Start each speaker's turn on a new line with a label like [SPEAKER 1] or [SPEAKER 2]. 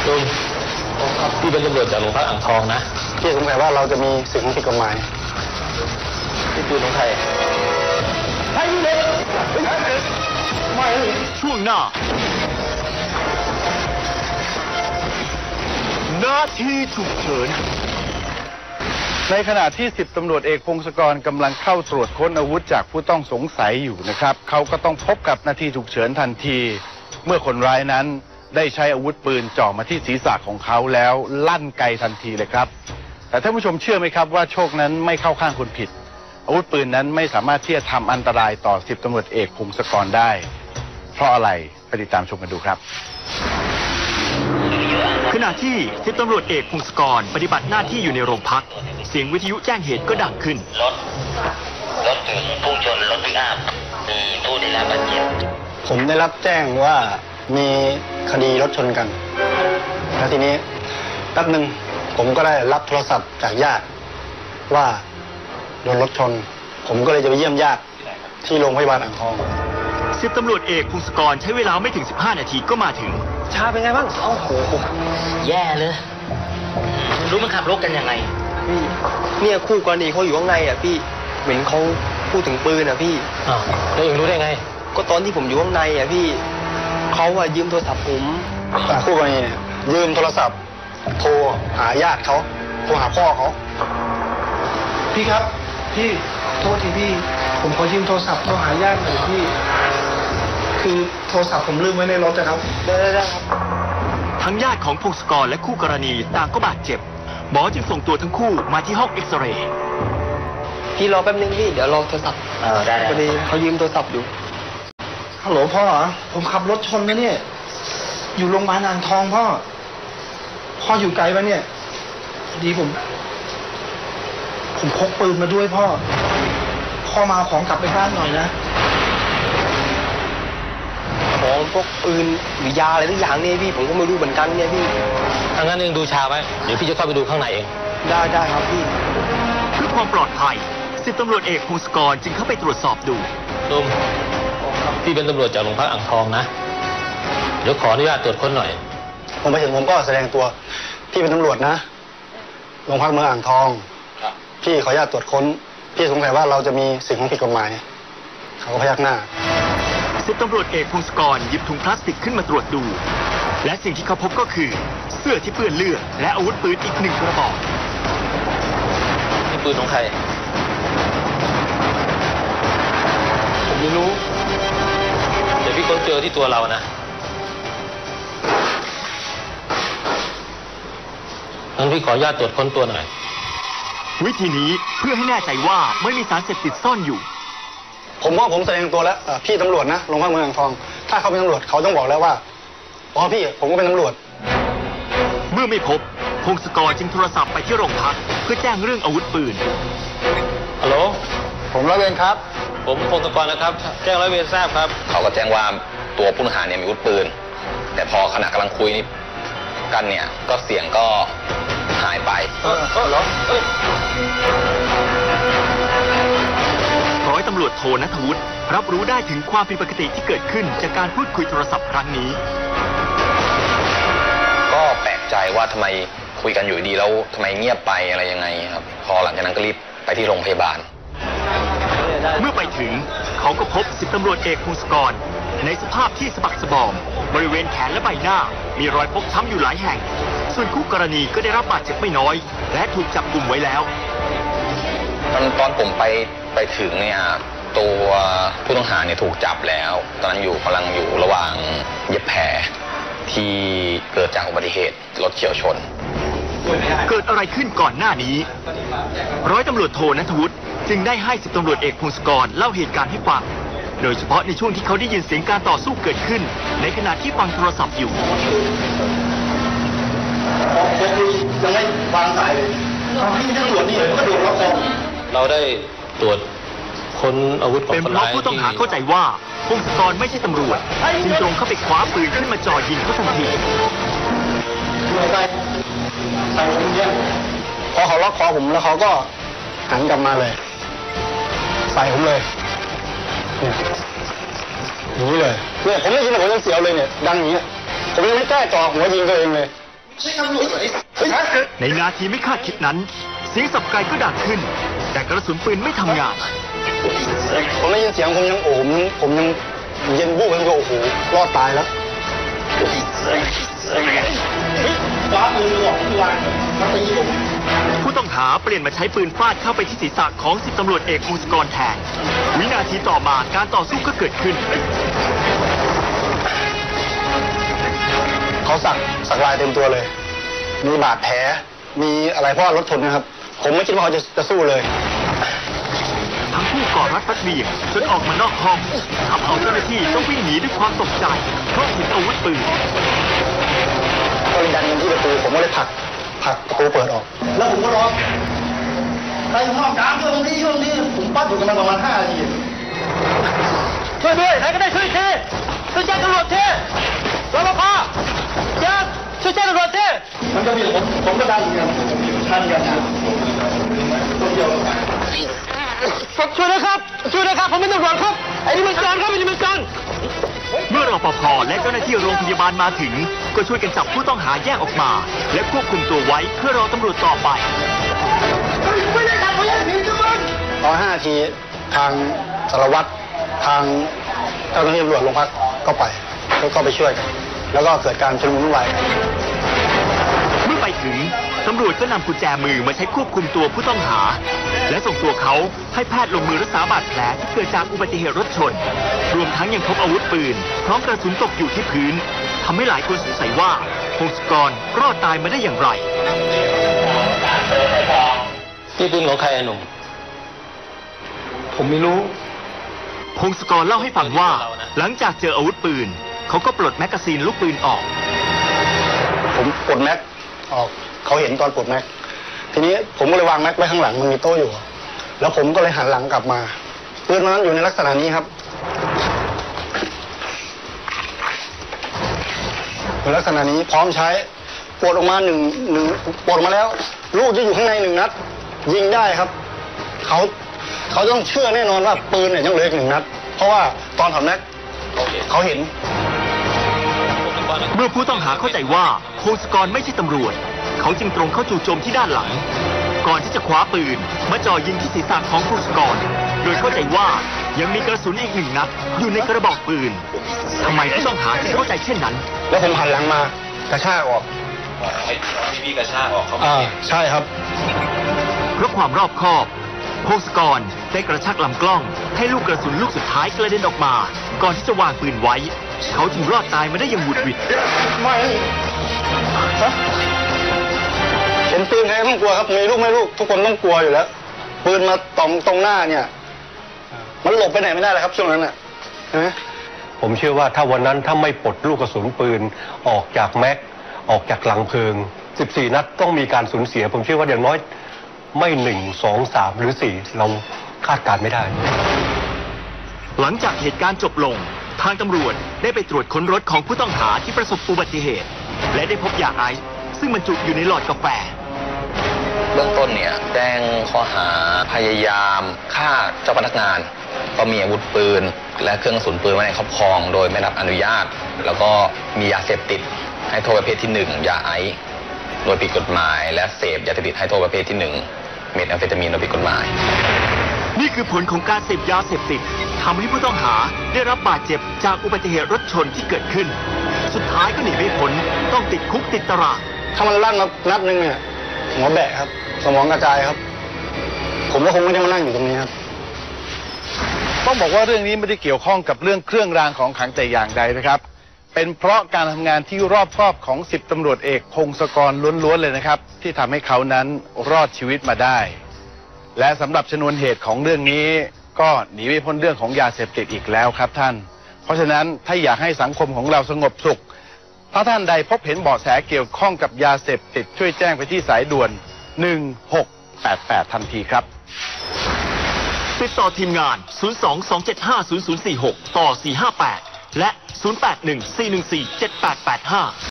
[SPEAKER 1] ลุงพี่เป็นตำรวจจากโรงพักอ่างทองนะ
[SPEAKER 2] พี่สงสัยว่าเราจะมีสิ่งของผิดกฎหมาย
[SPEAKER 1] ที่ปืนของใคร
[SPEAKER 3] ช่วงหน้าหน้าที่ฉุกเฉิน
[SPEAKER 4] ในขณะที่10 ตำรวจเอกพงศกรกำลังเข้าตรวจค้นอาวุธจากผู้ต้องสงสัยอยู่นะครับเขาก็ต้องพบกับนาทีฉุกเฉินทันทีเมื่อคนร้ายนั้นได้ใช้อาวุธปืนจ่อมาที่ศีรษะของเขาแล้วลั่นไกทันทีเลยครับแต่ท่านผู้ชมเชื่อไหมครับว่าโชคนั้นไม่เข้าข้างคนผิดอาวุธปืนนั้นไม่สามารถที่จะทำอันตรายต่อ10 ตำรวจเอกพงศกรได้เพราะอะไรไปติดตามชมกันดูครับ
[SPEAKER 3] ขณะที่10 ตำรวจเอกพงศกรปฏิบัติหน้าที่อยู่ในโรงพักเสียงวิทยุแจ้งเหตุก็ดังขึ้น
[SPEAKER 5] รถถึงพุ่งชนรถปิกอัพมีผู้ได้รับบาดเจ็บ
[SPEAKER 2] ผมได้รับแจ้งว่ามีคดีรถชนกันแล้วทีนี้แป๊บนึงผมก็ได้รับโทรศัพท์จากญาติว่าโดนรถชนผมก็เลยจะไปเยี่ยมญาติที่โรงพยาบาลอ่างทอง
[SPEAKER 3] 10 ตำรวจเอกพงศกรใช้เวลาไม่ถึง15 นาทีก็มาถึง
[SPEAKER 5] ชาเป็นไงบ้างโอ้โหแย่เลยรู้มันขับรถกันยังไง
[SPEAKER 6] พี่เนี่ยคู่กรณีเขาอยู่ข้างในอ่ะพี่เหมือนเขาพูดถึงปืนอ่ะพี่
[SPEAKER 1] อ้าวแล้วเองรู้ได้ไง
[SPEAKER 6] ก็ตอนที่ผมอยู่ข้างในอ่ะพี่เขาอ่ะยืมโทรศัพท์ผม
[SPEAKER 2] คู่กรณีเนี่ยยืมโทรศัพท์โทรหาญาติเขาโทรหาพ่อเขา
[SPEAKER 7] พี่ครับพี่โทษทีพี่ผมขอยืมโทรศัพท์โทรหาญาติหน่อยพี่คือโทรศัพท์ผมลืมไว้ในรถนะครับ
[SPEAKER 6] ได้ครับ
[SPEAKER 3] ทั้งญาติของพงศกรและคู่กรณีต่างก็บาดเจ็บหมอจึงส่งตัวทั้งคู่มาที่ห้องเอ็กซเรย์
[SPEAKER 6] พี่รอแป๊บนึงพี่เดี๋ยวรอโทรศัพท์
[SPEAKER 5] ได้
[SPEAKER 6] พอดีเขายืมโทรศัพท์อยู่
[SPEAKER 7] ฮัลโหลพ่อผมขับรถชนนะเนี่ยอยู่โรงพยาบาลอ่างทองพ่ออยู่ไกลปะเนี่ยดีผมพกปืนมาด้วยพ่อมาเอาของกลับไปบ้านหน่อยนะ
[SPEAKER 6] ของพวกปืนหรือยาอะไรทุกอย่างเนี่ยพี่ผมก็ไม่รู้เหมือนกันเนี่ยพี่
[SPEAKER 1] ถ้างั้นเองดูชาไว้เดี๋ยวพี่จะเข้าไปดูข้างในเอง
[SPEAKER 6] ได้ครับพี่
[SPEAKER 3] เพื่อความปลอดภัย10 ตำรวจเอกพงศกรจึงเข้าไปตรวจสอบดู
[SPEAKER 1] ลุงพี่เป็นตำรวจจากโรงพักอ่างทองนะเดี๋ยวขออนุญาตตรวจค้นหน่อย
[SPEAKER 2] ผมไปถึงผมก็แสดงตัวพี่เป็นตำรวจนะโรงพักเมืองอ่างทองพี่ขออนุญาตตรวจค้นพี่สงสัยว่าเราจะมีสิ่งของผิดกฎหมายเขาก็พยักหน้า
[SPEAKER 3] 10 ตำรวจเอกพงศกรหยิบถุงพลาสติกขึ้นมาตรวจดูและสิ่งที่เขาพบก็คือเสื้อที่เปื้อนเลือดและอาวุธปืนอีก1 กระบอก
[SPEAKER 1] นี่ปืนของใคร
[SPEAKER 6] ผมไม่รู้
[SPEAKER 1] เดี๋ยวพี่ค้นเจอที่ตัวเรานะงั้นพี่ขออนุญาตตรวจค้นตัวหน่อย
[SPEAKER 3] วิธีนี้เพื่อให้แน่ใจว่าไม่มีสารเสพติดซ่อนอยู่
[SPEAKER 2] ผมว่าผมแสดงตัวแล้วพี่ตำรวจนะโรงพักเมืองอ่างทองถ้าเขาเป็นตำรวจเขาต้องบอกแล้วว่าอ๋อพี่ผมก็เป็นตำรวจ
[SPEAKER 3] เมื่อไม่พบพงศกรจึงโทรศัพท์ไปที่โรงพักเพื่อแจ้งเรื่องอาวุธปืน
[SPEAKER 1] ฮัลโหล
[SPEAKER 2] ผมร้อยเวรครับ
[SPEAKER 1] ผมพงศกรนะครับแจ้งร้อยเวรทราบครับ
[SPEAKER 5] เขาก็แจ้งว่าตัวผู้ต้องหาเนี่ยมีอาวุธปืนแต่พอขณะกำลังคุยนี่กันเนี่ยก็เสียงก็หายไป
[SPEAKER 3] ร้อยตำรวจโทณัฐวุฒิรับรู้ได้ถึงความผิดปกติที่เกิดขึ้นจากการพูดคุยโทรศัพท์ครั้งนี้
[SPEAKER 5] ก็แปลกใจว่าทำไมคุยกันอยู่ดีแล้วทำไมเงียบไปอะไรยังไงครับพอหลังจากนั้นก็รีบไปที่โรงพยาบาล
[SPEAKER 3] เมื่อไปถึงเขาก็พบ10 ตำรวจเอกพงศกรในสภาพที่สะบักสะบอมบริเวณแขนและใบหน้ามีรอยฟกช้ำอยู่หลายแห่งส่วนคู่กรณีก็ได้รับบาดเจ็บไม่น้อยและถูกจับกุมไว้แล้ว
[SPEAKER 5] ตอนผมไปถึงเนี่ยตัวผู้ต้องหาเนี่ยถูกจับแล้วตอนนั้นกำลังอยู่ระหว่างเย็บแผลที่เกิดจากอุบัติเหตุรถเฉี่ยวชน
[SPEAKER 3] เกิดอะไรขึ้นก่อนหน้านี้ร้อยตำรวจโทณัฐวุฒิจึงได้ให้10 ตำรวจเอกพงศกรเล่าเหตุการณ์ให้ฟังโดยเฉพาะในช่วงที่เขาได้ยินเสียงการต่อสู้เกิดขึ้นในขณะที่ฟังโทรศัพท์อยู่
[SPEAKER 2] ยังไม่วางสายเลยที่ตำรวจนี่ก็โดนล็อกคอ
[SPEAKER 1] เราได้ตรวจค้นอาวุธของ
[SPEAKER 3] คนร้ายเป็นเพราะผู้ต้องหาเข้าใจว่าพงศกรไม่ใช่ตำรวจจึงตรงเข้าไปคว้าปืนขึ้นมาจ่อยิงเขาทันที
[SPEAKER 2] พอเขาล็อกคอผมแล้วเขาก็หันกลับมาเลยใส่ผมเลยอย่างนี้เลยเนี่ยผมได้ยินผมยังเสียวเลยเนี่ยดังอย่างนี้ผมยังไม่กล้าจ่อหัวยิงตัวเองเลย
[SPEAKER 3] ในนาทีไม่คาดคิดนั้นเสียงสับไกลก็ดังขึ้นแต่กระสุนปืนไม่ทำงาน
[SPEAKER 2] ผมได้ยินเสียงผมยังผมยังเย็นบู๊ผมก็โอ้โหรอดตายแล้วฟ้ามือหลอกทุกวันมาตีผม
[SPEAKER 3] ผู้ต้องหาเปลี่ยนมาใช้ปืนฟาดเข้าไปที่ศีรษะของ10ตำรวจเอกพงศกรแทนวินาทีต่อมาการต่อสู้ก็เกิดขึ้น
[SPEAKER 2] เขาสักลายเต็มตัวเลย มีบาดแผลมีอะไรเพราะรถชนนะครับผมไม่คิดว่าเขาจะสู้เลย
[SPEAKER 3] ทั้งคู่กอดรัดฟัดเหวี่ยงจนออกมานอกห้องทำเอาเจ้าหน้าที่ต้องวิ่งหนีด้วยความตกใจเพราะเห็นอาวุธปืน
[SPEAKER 2] ก็เลยดันกันที่ประตูผมก็เลยผลักประตูเปิดออกแล้วผมก็ร้องใครห้องกลางช่วงนี้ผมปัดอยู่กันมาประมาณ5 นาที
[SPEAKER 3] ช่วยด้วยใครก็ได้ช่วยทีช่วยแจ้งตำรวจทีรปภช่วยแจ้งตำรวจที
[SPEAKER 2] มันก็มีผมก็ดันกันทันกันนะ
[SPEAKER 3] ช่วยนะครับผมเป็นตำรวจครับไอ้นี่มันการครับไอ้นี่มันการเมื่อรปภและเจ้าหน้าที่โรงพยาบาลมาถึงก็ช่วยกันจับผู้ต้องหาแยกออกมาและควบคุมตัวไว้เพื่อรอตำรวจต่อไป
[SPEAKER 2] ไม่ได้ทำไม่ได้ผิดจังเลยตอน5 นาทีทางสารวัตรทางเจ้าหน้าที่ตำรวจโรงพักก็ไปแล้วก็ไปช่วยกันแล้วก็เกิดการชุลมุนวุ่นวายกัน
[SPEAKER 3] เมื่อไปถึงตำรวจก็นำกุญแจมือมาใช้ควบคุมตัวผู้ต้องหาและส่งตัวเขาให้แพทย์ลงมือรักษาบาดแผลที่เกิดจากอุบัติเหตุรถชนรวมทั้งยังพบอาวุธปืนพร้อมกระสุนตกอยู่ที่พื้นทำให้หลายคนสงสัยว่าพงศกรรอดตายมาได้อย่างไร
[SPEAKER 1] นี่ปืนของใครหนุ่ม
[SPEAKER 2] ผมไม่รู้
[SPEAKER 3] พงศกรเล่าให้ฟังว่าหลังจากเจออาวุธปืนเขาก็ปลดแมกกาซีนลูกปืนออก
[SPEAKER 2] ผมปลดแม็กออกเขาเห็นตอนปลดแม็กทีนี้ผมก็เลยวางแม็กไว้ข้างหลังมันมีโต๊ะอยู่แล้วผมก็เลยหันหลังกลับมาปืนนั้นอยู่ในลักษณะนี้ครับในลักษณะนี้พร้อมใช้ปลดออกมาหนึ่งปลดมาแล้วลูกจะอยู่ข้างใน1 นัดยิงได้ครับเขาต้องเชื่อแน่นอนว่าปืนเนี่ยยังเหลืออีก1 นัดเพราะว่าตอนถอดแม็กเขาเห็น
[SPEAKER 3] เมื่อผู้ต้องหาเข้าใจว่าพงศกรไม่ใช่ตำรวจเขาจึงตรงเข้าจู่โจมที่ด้านหลังก่อนที่จะคว้าปืนมาจ่อยิงที่ศีรษะของพงศกรโดยเข้าใจว่ายังมีกระสุนอีก1 นัดอยู่ในกระบอกปืนทำไมผู้ต้องหาถึงเข้าใจเช่นนั้น
[SPEAKER 2] แล้วผมหันหลังมากระชากออก
[SPEAKER 5] ให้พี่กระชากออกเขา
[SPEAKER 2] ใช่ครับ
[SPEAKER 3] เพราะความรอบคอบพงศกรได้กระชากลำกล้องให้ลูกกระสุนลูกสุดท้ายกระเด็นออกมาก่อนที่จะวางปืนไว้เขาจึงรอดตายมาได้อย่างหวุดหวิด
[SPEAKER 2] ไม่เห็นปืนใครต้องกลัวครับมีลูกไม่ลูกทุกคนต้องกลัวอยู่แล้วปืนมาตรงหน้าเนี่ยมันหลบไปไหนไม่ได้เลยครับช่วงนั้นน่ะใช่ไหม
[SPEAKER 8] ผมเชื่อว่าถ้าวันนั้นถ้าไม่ปลดลูกกระสุนปืนออกจากแม็กออกจากหลังเพลิง14 นัดต้องมีการสูญเสียผมเชื่อว่าอย่างน้อยไม่1 2 3หรือ4เราคาดการไม่ได้
[SPEAKER 3] หลังจากเหตุการณ์จบลงทางตำรวจได้ไปตรวจค้นรถของผู้ต้องหาที่ประสบอุบัติเหตุและได้พบยาไอซ์ซึ่งบรรจุอยู่ในหลอดกาแฟ
[SPEAKER 5] เบื้องต้นเนี่ยแจ้งข้อหาพยายามฆ่าเจ้าพนักงานก็มีอาวุธปืนและเครื่องกระสุนปืนไว้ในครอบครองโดยไม่รับอนุญาตแล้วก็มียาเสพติดให้โทษประเภทที่1ยาไอซ์โดยผิดกฎหมายและเสพยาเสพติดให้โทษประเภทที่1เมทแอมเฟตามีนโดยผิดกฎหมาย
[SPEAKER 3] นี่คือผลของการเสพยาเสพติดทำให้ผู้ต้องหาได้รับบาดเจ็บจากอุบัติเหตุรถชนที่เกิดขึ้นสุดท้ายก็หนีไม่พ้นต้องติดคุกติดตาราง
[SPEAKER 2] ถ้ามันลั่นนัดนึงเนี่ยหัวแบะครับสมองกระจายครับผมก็คงไม่ได้มานั่งอยู่ตรงนี้ครับ
[SPEAKER 4] ต้องบอกว่าเรื่องนี้ไม่ได้เกี่ยวข้องกับเรื่องเครื่องรางของขลังแต่อย่างใดนะครับเป็นเพราะการทำงานที่รอบคอบของ10 ตำรวจเอกพงศกรล้วนๆเลยนะครับที่ทำให้เขานั้นรอดชีวิตมาได้และสำหรับชนวนเหตุของเรื่องนี้ก็หนีไม่พ้นเรื่องของยาเสพติดอีกแล้วครับท่านเพราะฉะนั้นถ้าอยากให้สังคมของเราสงบสุขถ้าท่านใดพบเห็นเบาะแสเกี่ยวข้องกับยาเสพติดช่วยแจ้งไปที่สายด่วน1688ทันทีครับ
[SPEAKER 3] ติดต่อทีมงาน022750046ต่อ458และ0814147885